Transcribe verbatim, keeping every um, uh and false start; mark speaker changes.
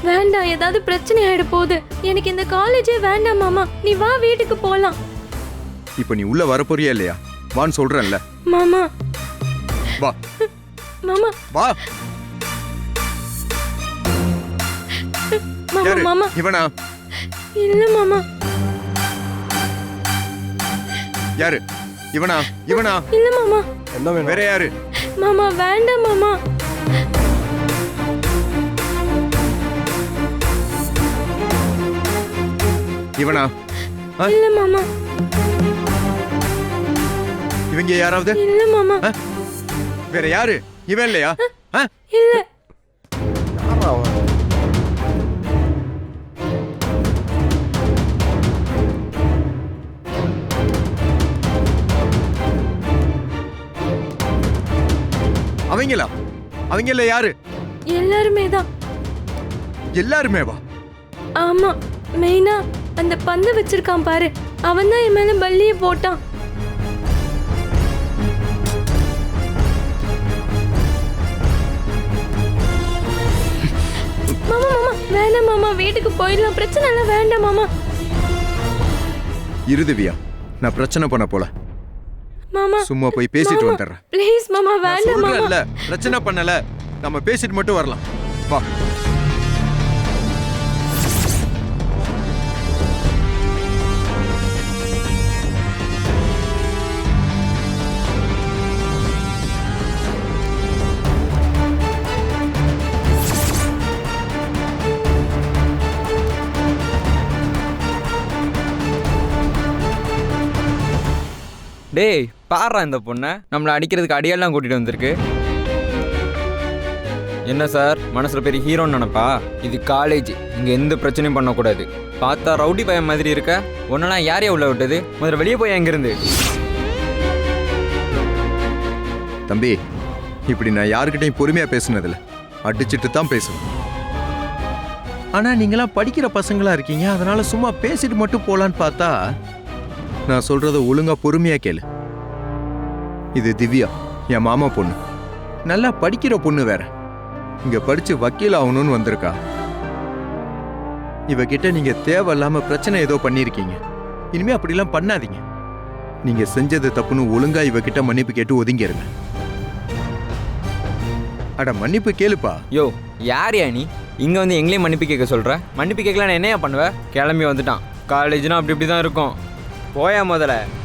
Speaker 1: வேண்டாம், ஏதாவது பிரச்சனை ஆயிட போகுது. எனக்கு இந்த காலேஜே வேண்டாம் மாமா. நீ வா, வீட்டுக்கு போலாம்.
Speaker 2: இப்போ நீ உள்ள வர போறியா இல்லையா? வான்னு சொல்றேன்ல.
Speaker 1: மாமா
Speaker 2: வா
Speaker 1: மாமா
Speaker 2: வா.
Speaker 1: மாமா
Speaker 2: யாரு?
Speaker 1: மாமா
Speaker 2: இவனா?
Speaker 1: இல்ல மாமா.
Speaker 2: யாரு? இவனா? இவனா?
Speaker 1: இல்ல மாமா.
Speaker 3: என்ன வேணும்?
Speaker 2: வேற யாரு?
Speaker 1: மாமா வேண்டாம் மாமா.
Speaker 2: இவனா? ஆ?
Speaker 1: இல்ல மாமா.
Speaker 2: இவங்க யாராவது?
Speaker 1: இல்ல மாமா.
Speaker 2: ஆ? வேற யாரு? இவன் இல்லையா? ஆ?
Speaker 1: இல்ல.
Speaker 3: யாரா அவன்?
Speaker 2: அவங்களா? அவங்கள யாரு?
Speaker 1: எல்லாருமே தான்.
Speaker 2: எல்லாருமே வா.
Speaker 1: ஆமா, மெயினா அந்த பந்து வச்சிருக்கான் பாரு, அவன் தான் என் மேல பல்லிய போட்டான். மாமா மாமா வேண்டாம் மாமா, வீட்டுக்கு போயிடலாம். பிரச்சனை எல்லாம் வேண்டாம் மாமா.
Speaker 2: இருதுவியா, நான் பிரச்சனை பண்ண போல.
Speaker 1: மாமா
Speaker 2: சும்மா போய் பேசிட்டு வந்துடுறேன்.
Speaker 1: ப்ளீஸ் மாமா, வேண்டாம் மாமா.
Speaker 2: சொல்றேன்ல, பிரச்சனை பண்ணல, நம்ம பேசிட்டு மட்டும் வரலாம். வா.
Speaker 4: டேய் பாடுறா, இந்த பொண்ணை நம்மளை அடிக்கிறதுக்கு அடியெல்லாம் கூட்டிகிட்டு வந்திருக்கு. என்ன சார், மனசில் பெரிய ஹீரோன்னு நினப்பா? இது காலேஜ், இங்கே எந்த பிரச்சனையும் பண்ணக்கூடாது. பார்த்தா ரவுடி பையன் மாதிரி இருக்க. ஒன்றெல்லாம் யாரையா உள்ள விட்டது? முதல்ல வெளியே போய் அங்கேருந்து.
Speaker 2: தம்பி, இப்படி நான் யாருக்கிட்டையும் பொறுமையா பேசுனதில்ல, அடிச்சுட்டு தான் பேசுவேன். ஆனா நீங்களாம் படிக்கிற பசங்களா இருக்கீங்க, அதனால சும்மா பேசிட்டு மட்டும் போலான்னு பார்த்தா, நான் சொல்றத ஒழுங்கா பொறுமையா கேளு. இது திவ்யா, என் மாமா பொண்ணு. நல்லா படிக்கிற பொண்ணு வேற. இங்க படிச்சு வக்கீல் ஆகணும்னு வந்திருக்கா. இவகிட்ட நீங்க தேவையில்லாம பிரச்சனை ஏதோ பண்ணிருக்கீங்க. இனிமே அப்படிலாம் பண்ணாதீங்க. நீங்க செஞ்சது தப்புன்னு ஒழுங்கா இவகிட்ட மன்னிப்பு கேட்டு ஒதுங்கிருங்க. அட மன்னிப்பு கேளுப்பா.
Speaker 4: யோ யாரையா நீ இங்கே வந்து எங்களையும் மன்னிப்பு கேட்க சொல்கிற? மன்னிப்பு கேட்கலாம், என்னையா பண்ணுவேன்? கிளம்பி வந்துட்டான். காலேஜ்னா அப்படி இப்படி தான் இருக்கும். போயா முதல்ல.